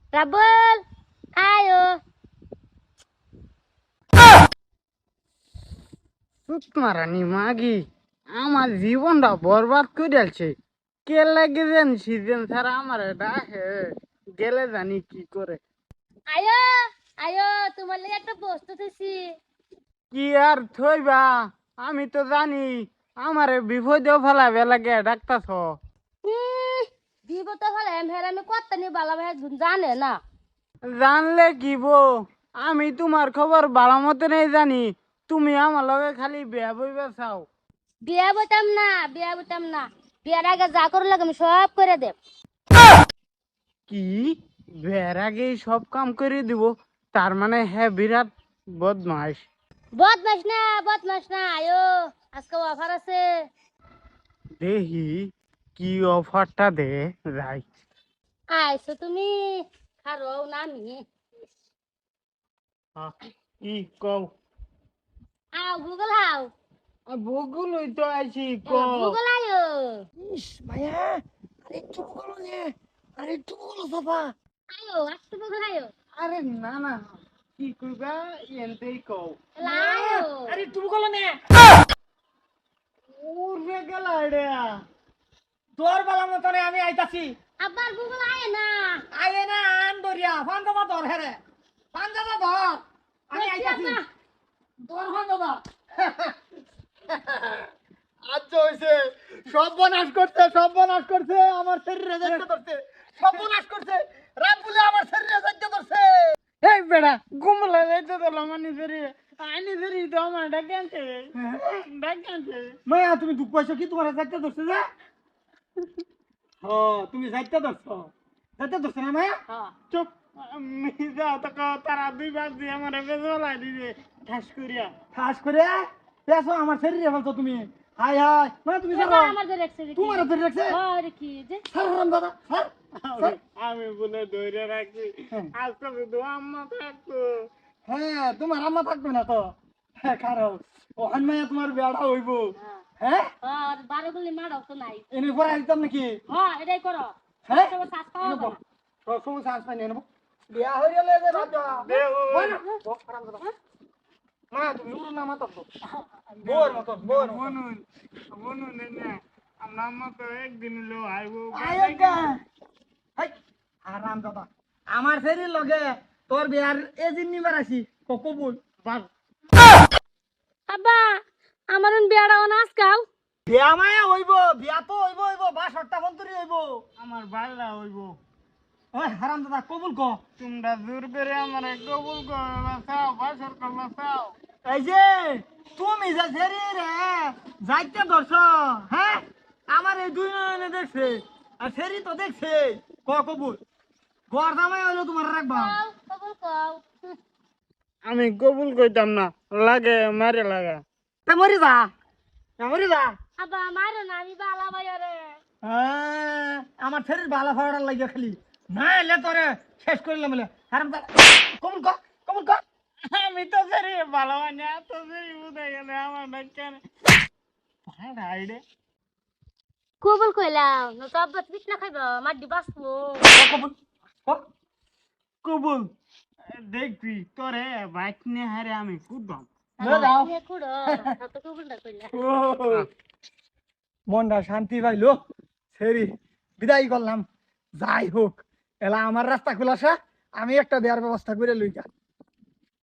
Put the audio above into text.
রাবুল আয়ো মারানি মাগি আমার জীবনটা বরবাদ করে দিয়েছে। কে লাগে যেন সিজন ছাড়া আমার ডাকে গেলে জানি কি করে। আয়ো আয়ো তোমার লাগে একটা বস্তু দিছি। কি আর থইবা, আমি তো জানি আমারে বিপদেও ফেলাবে লাগে ডাক্তার। দিব তো হলে আমি কত নি বালা ভাই জানে না। জানলে কি বো, আমি তোমার খবর ভালো মতো নেই জানি। তুমি আমার লগে খালি বিয়া বইবা চাও। বিয়া বইতাম না, বিয়া বইতাম না। বিয়ার আগে যা করে লাগে আমি সব করে দেব। কি বিয়ার আগেই সব কাম করে দিব? তার মানে হ্যাঁ বিরাট বদমাস। বদমাস না, বদমাস না। আয়ো আজকে অফার আছে। দেখি কি অফারটা দে যাই। আইছো তুমি খারো না আমি। কি কও? আও গুগল হাও। বগুল তো আইছি ক। গুগল আয়ো। ইস মায়া, আরেকটু বলো নে, আরেকটু বলো বাবা। আয়ো একটু গুগল আয়ো। আরে না না, কি কইবা এনতেই কও। আয়ো আরেকটু বলো নে। উড়বে গেলা রে। তোর বেলা মতনে আমি আইতাছি। আবার গুগল আয় না। আইয়ে না আন দরিয়া, ফান্দাবা ধর হেরে। ফান্দাবা ধর। আমি আইতাছি। তোর ফান্দাবা। আচ্ছা হইছে, সর্বনাশ করছে, সর্বনাশ করছে, আমার শরীরে যাইতে ধরছে, সর্বনাশ করছে, রামপুলে আমার শরীরে যাইতে ধরছে। এই বেড়া গুমলা যাইতে ধরলো মানে শরীরে, আইনি শরীর তো আমার ডাকে আনছে, ডাকে আনছে। মায়া তুমি দুঃখ পাইছো কি তোমার যাইতে ধরছে যে? ও তুমি যাইতে ধরছো। যাইতে ধরছে না মায়া? চুপ, মিজা তোকে তারা দুইবার দিয়ে আমার বেজলাই দিবে ঠাস করিয়া। খাস করে পেছো আমার শরীরে ফেলছো তুমি। হাই হাই মানে তুমি এবার জানো আমার ধরে রাখছে দেখি। তোমার ধরে রাখছে। আরে কি যে স্যার রাম দাদা স্যার আমি বলে ধরে রাখি, হ্যাঁ। আজকে শুধু আম্মা থাকতো। হ্যাঁ তোমার আম্মা থাকবে না তো। হ্যাঁ খারাপ ওখান মাইয়া তোমার বেড়া হইব। হ্যাঁ আর 12 গুলি মারাও তো নাই। এনে পরে আসতাম নাকি? হ্যাঁ এটাই করো। হ্যাঁ সব শ্বাস পাওয়া এনে যাবে বল না। সবসময় চান্স পাই নেব বিয়া হয়ে গেলে যে রাজা মা তুমি উড়ো না মাতা তো বোর মতো বোর বনুন বনুন না, আমার আম্মা তো একদিন লো আইবো। আয়োগা হাই আরাম দাদা আমার শরীর লগে তোর বিয়ার এজিন নিবার আসি কবুল বাস আব্বা আমার বিয়াটা অনাস খাও। বিয়া মায়া হইব বিয়া তো হইব হইব বা সট্টা ফন্তরি হইব আমার বাল্লা হইব। ওই হারাম দাদা কবুল ক তোমরা জোর করে আমার কবুল করবা চাও, বাসর করবা চাও। এই যে তুমি যে শরীর যাইতে ধরছ হ্যাঁ আমার এই দুই নয়নে দেখছে আর শরীর তো দেখছে কবুল গড় দামাই হইলো তোমার রাখবা কবুল কও। আমি কবুল কইতাম না, লাগে মারে লাগা। তা মরি যা মরি যা আব্বা মারো না আমি বালা বাইরে। আমার শরীর ভালো ফাড়ার লাগে খালি না এলে তোরে শেষ করিলাম বলে হারাম দাদা কবুল ক কবুল ক আমি তো সেরি ভালো মানে এত সেরি বুঝে গেলে আমার কেন আইডে কবুল কইলাম না তো আব্বা পিছ না খাইবা মাড্ডি বাসবো। কবুল ক কবুল। দেখবি তোরে বাইক নিয়ে হারে আমি কুদবাম। দাও কুড়ো তো কবুলটা কইলা। মনটা শান্তি পাইলো সেরি বিদায় করলাম যাই হোক এলা আমার রাস্তা খোলাসা আমি একটা দেওয়ার ব্যবস্থা করে লইকা